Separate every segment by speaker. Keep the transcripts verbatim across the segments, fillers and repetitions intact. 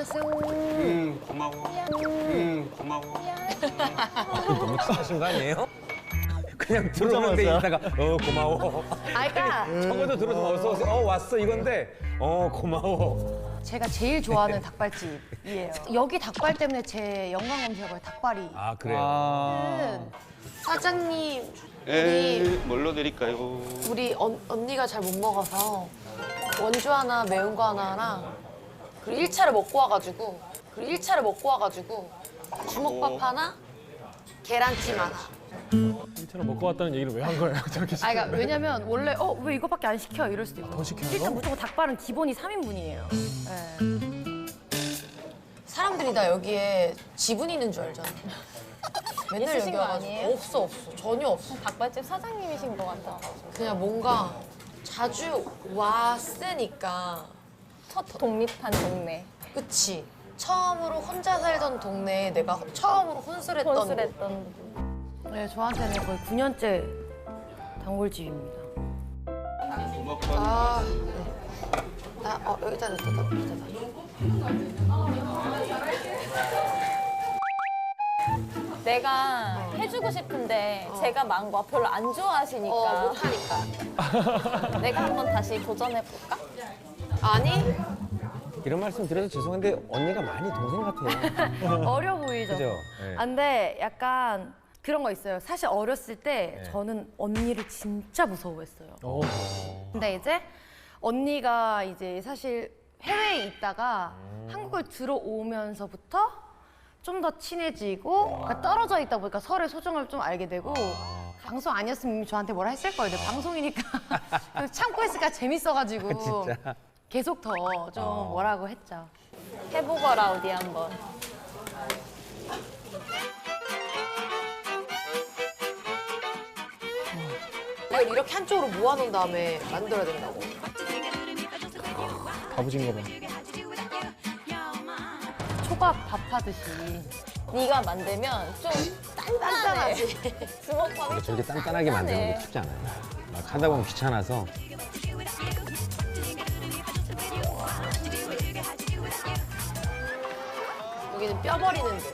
Speaker 1: 안녕하세요.
Speaker 2: 음, 고마워. 음, 고마워.
Speaker 3: 너무 친하신 거 아니에요? 그냥 들어오는데 있다가 어 고마워.
Speaker 1: 아, 그러니까
Speaker 3: 적어도 들어서 어서 오세요. 어 왔어 이건데 어 고마워.
Speaker 1: 제가 제일 좋아하는 닭발집이에요. 여기 닭발 때문에 제 연관 검색어에 닭발이.
Speaker 3: 아 그래요.
Speaker 1: 사장님,
Speaker 2: 에,
Speaker 1: 우리
Speaker 2: 뭘로 드릴까요?
Speaker 1: 우리 언, 언니가 잘 못 먹어서 원주 하나, 매운 거 하나랑 그리고 일 차를 먹고 와가지고 그리고 일 차를 먹고 와가지고 주먹밥
Speaker 2: 오.
Speaker 1: 하나, 계란찜 하나.
Speaker 4: 일차로 먹고 왔다는 얘기를 왜 한 거예요? 저렇게
Speaker 1: 아, 그러니까 왜냐면 원래 어 왜 이거밖에 안 시켜 이럴 수도 있고.
Speaker 4: 더 시켜요?
Speaker 1: 일단 무조건 닭발은 기본이 삼 인분이에요. 네. 사람들이 다 여기에 지분 있는 줄 알잖아. 맨날
Speaker 5: 있으신
Speaker 1: 여기
Speaker 5: 거
Speaker 1: 와가지고
Speaker 5: 아니에요?
Speaker 1: 없어 없어 전혀 없어.
Speaker 5: 닭발집 사장님이신 것 같아.
Speaker 1: 그냥 뭔가 자주 왔으니까
Speaker 5: 첫 독립한 동네.
Speaker 1: 그치. 처음으로 혼자 살던 동네에 내가 처음으로 혼술했던
Speaker 5: 혼술했던.
Speaker 1: 네, 저한테는 거의 구 년째 단골집입니다. 아, 네. 나, 어, 여기다 놨다, 여기다
Speaker 5: 내가 해주고 싶은데 제가 망고 별로 안 좋아하시니까.
Speaker 1: 어, 못하니까.
Speaker 5: 내가 한번 다시 도전해볼까?
Speaker 1: 아니,
Speaker 3: 이런 말씀 드려서 죄송한데 언니가 많이 동생 같아요.
Speaker 1: 어려 보이죠?
Speaker 3: 그죠? 네.
Speaker 1: 아, 근데 약간 그런 거 있어요. 사실 어렸을 때
Speaker 3: 네.
Speaker 1: 저는 언니를 진짜 무서워했어요.
Speaker 4: 어.
Speaker 1: 근데 이제 언니가 이제 사실 해외에 있다가 한국을 들어오면서부터 좀 더 친해지고 그러니까 떨어져 있다 보니까 서로의 소중함을 좀 알게 되고 방송 아니었으면 이미 저한테 뭐라 했을 거예요. 근데 방송이니까 참고 했으니까 재밌어가지고
Speaker 3: 진짜?
Speaker 1: 계속 더 좀 뭐라고 했죠.
Speaker 5: 해보거라 어디 한번.
Speaker 1: 이걸 이렇게 한쪽으로 모아놓은 다음에 만들어야 된다고.
Speaker 4: 다부진 거 봐.
Speaker 1: 초밥 밥 하듯이.
Speaker 5: 네가 만들면 좀 단단해. 주먹밥이
Speaker 3: 저렇게 단단하게 만드는 게 쉽지 않아요. 막 하다 보면 귀찮아서.
Speaker 1: 여기는 뼈 버리는 데.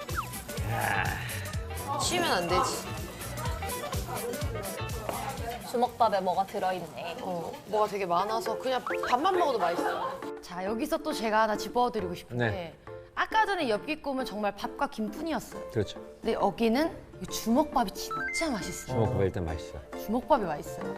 Speaker 1: 치우면 안 되지.
Speaker 5: 주먹밥에 뭐가 들어있네.
Speaker 1: 어, 뭐가 되게 많아서 그냥 밥만 먹어도 맛있어. 자, 여기서 또 제가 하나 짚어드리고 싶은
Speaker 3: 네.
Speaker 1: 게 아까 전에 엽기 꿈은 정말 밥과 김뿐이었어요.
Speaker 3: 그렇죠.
Speaker 1: 근데 여기는 이 주먹밥이 진짜 맛있어요.
Speaker 3: 주먹밥 일단 맛있어.
Speaker 1: 주먹밥이 맛있어요.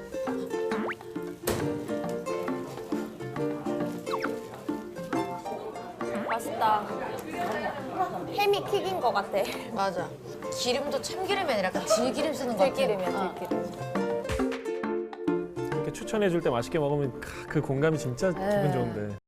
Speaker 5: 맛있다. 햄이 킥인 것 같아.
Speaker 1: 맞아. 기름도 참기름이 아니라 약간 들기름 쓰는 거 같아.
Speaker 5: 들기름이야,
Speaker 1: 어.
Speaker 5: 들기름.
Speaker 4: 이렇게 추천해 줄 때 맛있게 먹으면 그 공감이 진짜 기분 좋은데.